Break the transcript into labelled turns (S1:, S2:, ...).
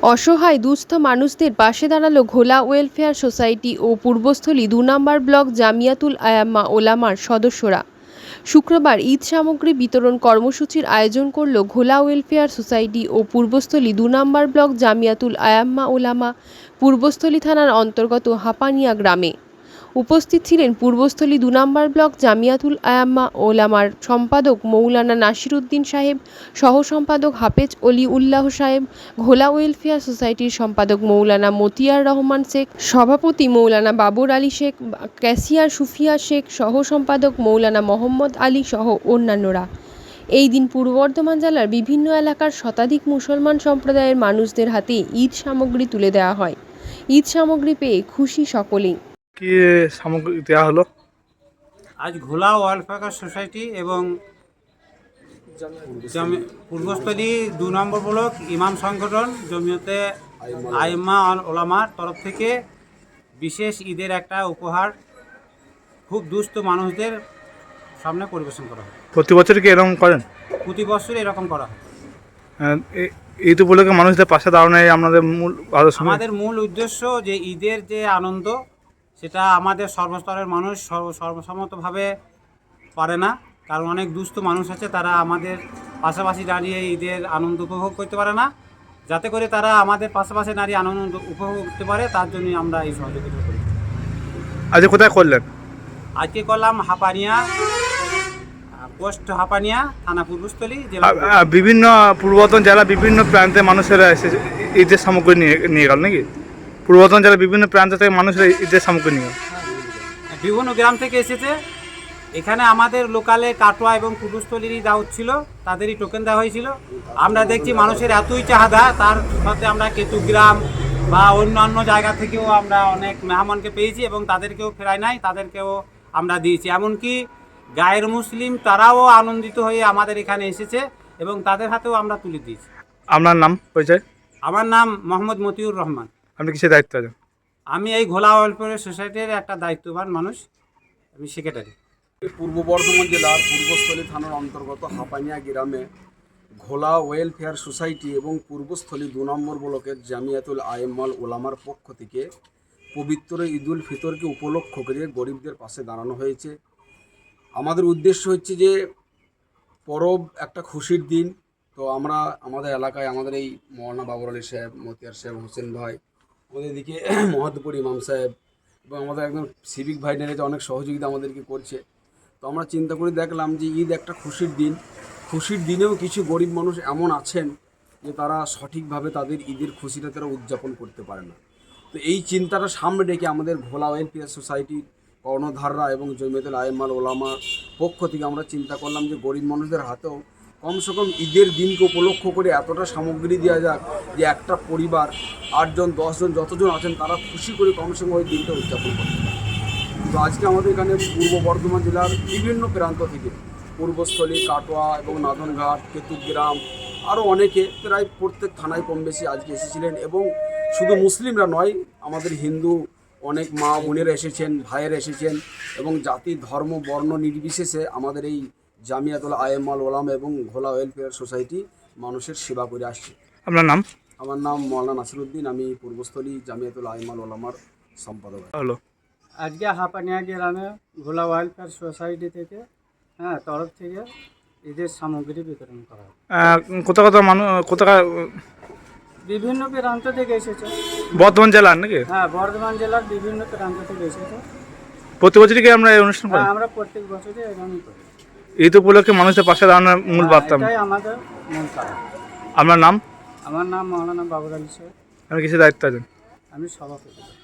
S1: অসহায় দুস্থ মানুষদের পাশে দাঁড়ালো ঘোলা ওয়েলফেয়ার সোসাইটি ও পূর্বস্থলী ২ নম্বর ব্লক জামিয়াতুল আয়াম্মা ওলামার সদস্যরা। শুক্রবার ঈদ সামগ্রী বিতরণ কর্মসূচির আয়োজন করল ঘোলা ওয়েলফেয়ার সোসাইটি ও পূর্বস্থলী ২ নম্বর ব্লক জামিয়াতুল আয়াম্মা ওলামা পূর্বস্থলী থানার অন্তর্গত হাপানিয়া গ্রামে। উপস্থিত ছিলেন পূর্বস্থলী ২ নম্বর ব্লক জামিয়াতুল আয়াম্মা ওলামার সম্পাদক মৌলানা নাসির উদ্দিন সাহেব, সহ সম্পাদক হাফেজ অলি উল্লাহ সাহেব, ঘোলা ওয়েলফেয়ার সোসাইটির সম্পাদক মৌলানা মতিয়ার রহমান শেখ, সভাপতি মৌলানা বাবর আলী শেখ, ক্যাশিয়ার সুফিয়া শেখ, সহ সম্পাদক মৌলানা মোহাম্মদ আলী সহ অন্যান্যরা। এই দিন পূর্ব বর্ধমান জেলার বিভিন্ন এলাকার শতাধিক মুসলমান সম্প্রদায়ের মানুষদের হাতে ঈদ সামগ্রী তুলে দেওয়া হয়। ঈদ সামগ্রী পেয়ে খুশি সকলেই।
S2: কি সামগ্রী দেওয়া হলো?
S3: আজ ঘোলা ওয়েলফেয়ার সোসাইটি এবং পূর্বস্থলী ২ নম্বর ব্লক ইমাম সংগঠন জমিয়তে আইম্মা ওলামার তরফ থেকে বিশেষ ঈদের একটা উপহার খুব দুস্থ মানুষদের সামনে পরিবেশন করা হয়।
S2: প্রতি বছর কি এরকম করেন?
S3: প্রতি বছর এরকম করা হয়।
S2: ঈদ উপলক্ষে মানুষদের পাশে দাঁড়ানোই আমাদের
S3: মূল উদ্দেশ্য, যে ঈদের যে আনন্দ সেটা আমাদের সর্বস্তরের মানুষ সর্বসম্মতভাবে পারে না, কারণ অনেক দুস্থ মানুষ আছে, তারা আমাদের পাশাপাশি দাঁড়িয়ে ঈদের আনন্দ উপভোগ করতে পারে না। যাতে করে তারা আমাদের পাশাপাশি দাঁড়িয়ে আনন্দ উপভোগ করতে পারে, তার জন্যই আমরা এই সহযোগিতা করি।
S2: আজকে কোথায় করলেন?
S3: আজকে করলাম হাপানিয়া, পোস্ট হাপানিয়া, থানা পূর্বস্থলী জেলা।
S2: বিভিন্ন পূর্ব বর্ধমান জেলা বিভিন্ন প্রান্তে মানুষেরা এসে ঈদের সামগ্রী নিয়ে গেল নাকি? পূর্ব বর্ধমান জেলার বিভিন্ন প্রান্ত থেকে মানুষেরা ঈদের সামগ্রী নিয়ে গেল।
S3: বিভিন্ন গ্রাম থেকে এসেছে। এখানে আমাদের লোকালে কাটোয়া এবং পূর্বস্থলীরই দাওয়াত ছিল, তাদেরই টোকেন দেওয়া হয়েছিল। আমরা দেখছি মানুষের এতই চাহিদা, তার সাথে আমরা কেতুগ্রাম বা অন্যান্য জায়গা থেকেও আমরা অনেক মেহমানকে পেয়েছি এবং তাদেরকেও ফেরাই নাই, তাদেরকেও আমরা দিয়েছি। এমনকি গায়ের মুসলিম তারাও আনন্দিত হয়ে আমাদের এখানে এসেছে এবং তাদের হাতেও আমরা তুলে দিয়েছি।
S2: আপনার নাম পরিচয়?
S3: আমার নাম মোহাম্মদ মতিউর রহমান।
S2: আপনি কিসের দায়িত্ব আছেন?
S3: আমি এই ঘোলা ওয়েলফেয়ার সোসাইটির একটা দায়িত্ববান মানুষ, আমি সেক্রেটারি।
S4: পূর্ব বর্ধমান জেলার পূর্বস্থলী থানার অন্তর্গত হাপানিয়া গ্রামে ঘোলা ওয়েলফেয়ার সোসাইটি এবং পূর্বস্থলী ২ নম্বর ব্লকের জামিয়াতুল আইম্মাল ওলামার পক্ষ থেকে পবিত্র ঈদুল ফিতরকে উপলক্ষ করে গরিবদের পাশে দাঁড়ানো হয়েছে। আমাদের উদ্দেশ্য হচ্ছে যে পরব একটা খুশির দিন, তো আমরা আমাদের এলাকায় আমাদের এই মৌলানা বাবর আলী সাহেব, মতিয়ার সাহেব, হোসেন ভাই, আমাদের এদিকে মহাদপুর ইমাম সাহেব এবং আমাদের একজন সিভিক ভাই নেড়েছে, অনেক সহযোগিতা আমাদেরকে করছে। তো আমরা চিন্তা করে দেখলাম যে ঈদ একটা খুশির দিন, খুশির দিনেও কিছু গরিব মানুষ এমন আছেন যে তারা সঠিকভাবে তাদের ঈদের খুশিটা তারা উদযাপন করতে পারে না। তো এই চিন্তাটা সামনে রেখে আমাদের ঘোলা ওয়েলফেয়ার সোসাইটির কর্ণধাররা এবং জমিয়তুল আইম্মাল ওলামার পক্ষ থেকে আমরা চিন্তা করলাম যে গরিব মানুষদের হাতেও কমসে কম ঈদের দিনকে উপলক্ষ করে এতটা সামগ্রী দেওয়া যাক যে একটা পরিবার ৮ জন ১০ জন যতজন আছেন তারা খুশি করে কমসে কম ওই দিনটা উদযাপন করতে পারে। তো আজকে আমাদের এখানে পূর্ব বর্ধমান জেলার বিভিন্ন প্রান্ত থেকে পূর্বস্থলী, কাটোয়া এবং নাদনঘাট, কেতুগ্রাম আরও অনেকে প্রায় প্রত্যেক থানায় কম বেশি আজকে এসেছিলেন এবং শুধু মুসলিমরা নয়, আমাদের হিন্দু অনেক মা বোনেরা এসেছেন, ভাইয়েরা এসেছেন এবং জাতি ধর্ম বর্ণ নির্বিশেষে আমাদের এই জামিয়াতুল আইম্মাল ওলামা এবং ঘোলা ওয়েলফেয়ার সোসাইটি মানুষের সেবা করে আসছে।
S2: আপনার নাম?
S4: আমার নাম মৌলানা নাসির উদ্দিন, আমি পূর্বস্থলী জামিয়াতুল আইম্মাল ওলামার সম্পাদক।
S2: হলো
S5: আজকে হাপানিয়া গ্রামে ঘোলা ওয়েলফেয়ার সোসাইটি থেকে তরফ থেকে ঈদের সামগ্রী বিতরণ করা হয়।
S2: কোথাকার
S5: বিভিন্ন প্রান্ত থেকে এসেছে।
S2: বর্ধমান জেলার নাকি?
S5: হ্যাঁ, বর্ধমান জেলার বিভিন্ন প্রান্ত থেকে এসেছে।
S2: প্রতি বছরই কি আমরা এই অনুষ্ঠান করি?
S5: আমরা প্রত্যেক বছরই এরকমই করি।
S2: ঈদ উপলক্ষে মানুষের পাশে দাঁড়ানোর মূল বার্তা
S5: এটাই আমাদের মূল কারণ।
S2: আপনার নাম?
S5: আমার নাম মৌলানা বাবর আলী সাহেব।
S2: আপনি কিসের দায়িত্ব আছেন?
S5: আমি সভাপতি।